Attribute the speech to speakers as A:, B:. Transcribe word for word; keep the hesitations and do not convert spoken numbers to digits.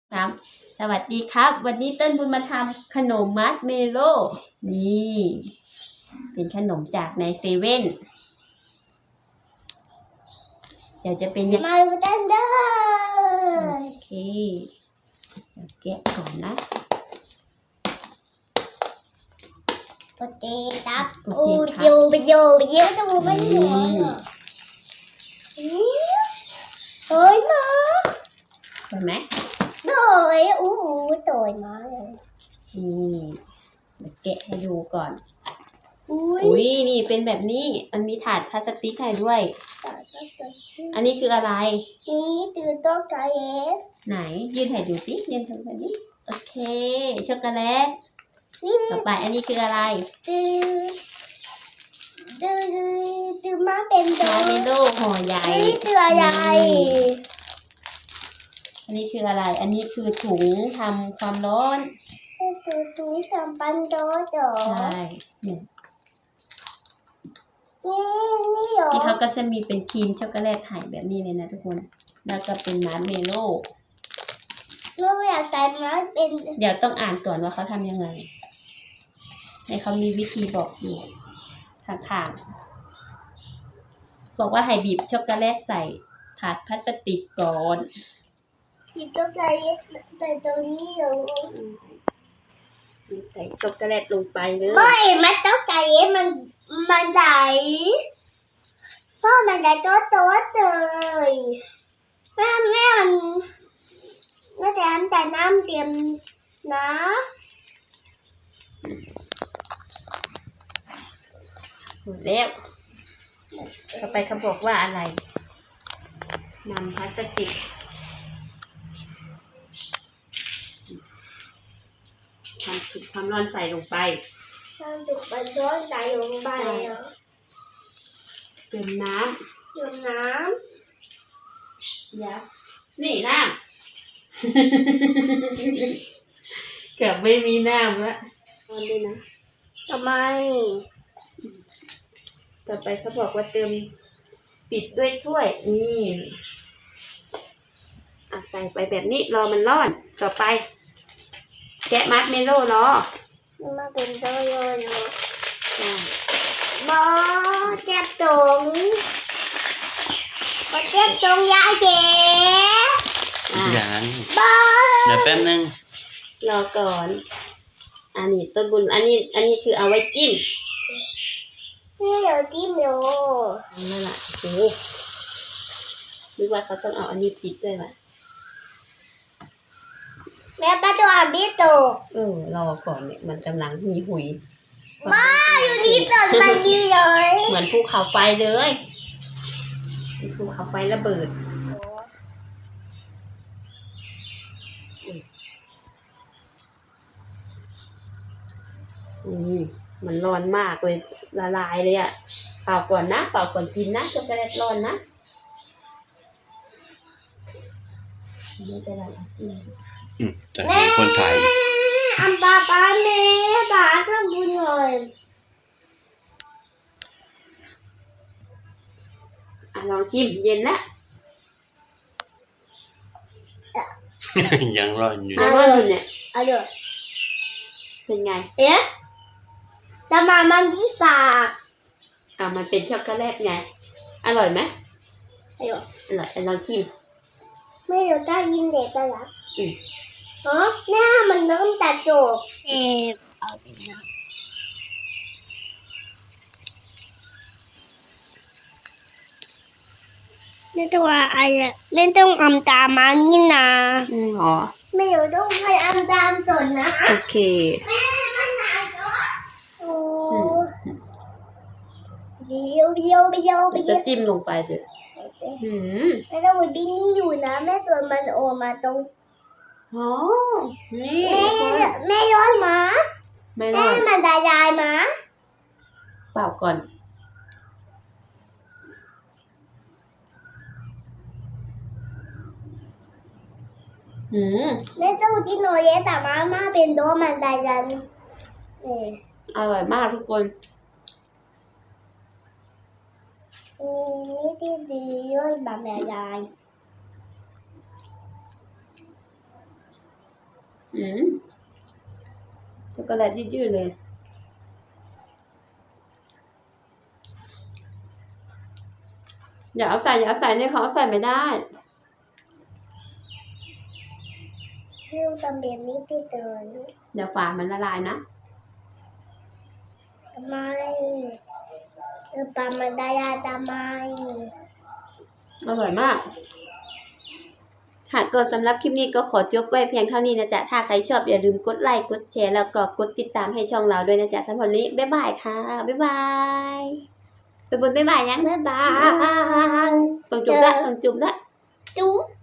A: ครับสวัสดีครับวันนี้ต้นบุญมาทำขนมมัดเมโล่นี่เป็นขนมจากในเซเว่นเดี๋ยวจะเป็นยังไง
B: มาดูกันเด้อ
A: โอเคเดี๋ยวแกะก่อนนะ
B: โอเคครับโอ้ยโยไปโยไปโยจะมูไม่หัวเฮ้ยมา
A: เห็นไหม
B: โดยอู้โดยมาเลย
A: นี่เดี๋ยวแกะให้ดูก่อน
B: อุ้ย
A: อุ้ยนี่เป็นแบบนี้มันมีถาดพลาสติกให้ด้วย อันนี้คืออะไร
B: นี่ตื่นต้นใจเอฟ
A: ไหนยืนให้ดูสิยืนทำแบบนี้โอเคช็อกโกแลต
B: นี่
A: ต่อไปอันนี้คืออะไร
B: ตื่นตื่นตื่นมาเป็นโด
A: มาเมโล่ห่อใหญ่
B: นี่ตื่นอะไร
A: อันนี้คืออะไร อันนี้คือถุงทำความร้อน
B: ตื่นตื่นทำปันโดโด
A: ใช่เนี่ย
B: นี่นี่เหรอ
A: ที่เขาก็จะมีเป็นครีมช็อกโกแลตให้แบบนี้เลยนะทุกคน แล้วก็เป็นมาร์ชเมลโล่
B: เราอยากแต่มาเป็น
A: เดี๋ยวต้องอ่านก่อนว่าเขาทำยังไงในเขามีวิธีบอกอยู่ข้างๆบอกว่าให้บีบช็อกโกแลตใส่ถาดพลาสติกก่อน
B: ที่ต้องใจแต่ตรงนี้เหรอ
A: ใส่ช็อกโกแลตลงไปเลย
B: ไม่มันต้องใจมันมันไหลเพราะมันจะโต๊ะโต๊ะเลยแม่แม่มันแม่จะทำแต่น้ำเตรียมนะ
A: หมดแล้วต่อไปเขาบอกว่าอะไรนำพลาสติกความสุกความร้อนใส่ลงไป
B: น้ำจุกมันร้อนไหลลงไปเนาะ
A: เติมน้
B: เติมน้
A: ำยับนี่น้ำ เกือบไม่มีน้ำแล้วร้อนด้วยนะ
B: ำทำไม
A: ต่อไปเขาบอกว่าเติมปิดด้วยถ้วยนี่อ่ะใส่ไปแบบนี้รอมันร้อนต่อไป แกะมัดเมโล่รอ
B: มาเป็นโต๊ะโยโย่
A: อ่า
B: บอเจ็บตรงบอเจ็บตรงยายเจ๊
A: อ่ะ
C: ยัง
B: บอ
C: เดี๋ยวแป๊บนึง
A: รอก่อน อันนี้ต้นบุญอันนี้ อันนี้คือเอาไว้จิ้ม
B: นี่เดี๋ยวจิ้มโย
A: นั่นแหละโอ้โหนึกว่าเขาต้องเอาอันนี้ปิดด้วยวะ
B: แม่ป้าตัวอ่านพี่โต
A: เออรอก่อนเนี่ยมันกำลังมีหุย
B: บ้าอยู่นี่สดมันดีเลย
A: เหมือนภูเขาไฟเลยภูเขาไฟระเบิดอืมมันร้อนมากเลยละลายเลยอะเป่าก่อนนะเป่าก่อนกินนะช็อกโกแลตร้อนนะมันจะละลายจริง
C: อืมจะให้คนถ่าย
B: อันป้าป้าแม่ป้าทำบุญเลย
A: อ่ะลองชิมเย็นแล้ว
C: ยังร้อนอยู่
A: อ่ะร้อนอยู่เนี่ย
B: เอาเดี๋ยว
A: เป็นไง
B: เอ๊ะจะมามันที่ปาก
A: อ่ะมันเป็นช็อกโกแลตไงอร่อยไหม
B: เอาเดี๋ยว
A: อร่อยอ่ะลองชิม
B: ไม่เดี๋ยวได้ยินเด็กกันละ
A: อืม
B: ฮะหน้ามันเริ่มตัดโจกเอ๊ะเอาไปนะนี่ตัวอะไรนี่ต้องอำตามมานี่นะ
A: อืมอ๋อ
B: ไม่เดี๋ยวต้องให้อำตามสนนะ
A: โอเค
B: แม่มันหายตัวโอ้เดี๋ยวเดี๋ยวเดี๋ยว
A: เดี๋ยว
B: เดี๋
A: จะ
B: ยว
A: จิ้มลงไปเถอะอืม
B: แม่ต้องวันนี้นี่อยู่นะแม่ตัวมันโอมาตรง
A: อ๋อนี่
B: แม่แม่ย้อนมา
A: ไม่ร
B: แม่
A: อด
B: มันตายายมา
A: เปล่าก่อนอืม
B: แม่ต้องกินโนเยแต่มาม่าเป็นโดมันตายายนี่
A: อร่อยมากทุกคน
B: นี่ที่ดีย้อนแบบแม่ยาย
A: อืมช็อกโกแลตยืดๆเลยอย่าเอาใส่อย่าเอาใส่เนี่ยเขาเอาใส่ไม่ได้
B: ให้ลูกทำแบบนี้ติดเลย
A: เดี๋ยวฝามันละลายนะ
B: ทำไมเออปลามันได้ยาทำไม
A: อร่อยมาก ค่ะก็สำหรับคลิปนี้ก็ขอจบไว้เพียงเท่านี้นะจ๊ะ ถ้าใครชอบอย่าลืมกดไลค์ กดแชร์ แล้วก็กดติดตามให้ช่องเราด้วยนะจ๊ะสำหรับวันนี้บ๊ายบายค่ะ บ๊ายบายตัวบนบ๊ายบายยัง
B: บ๊ายบาย
A: ต้องจุบละต้องจุบละ
B: จุ๊บ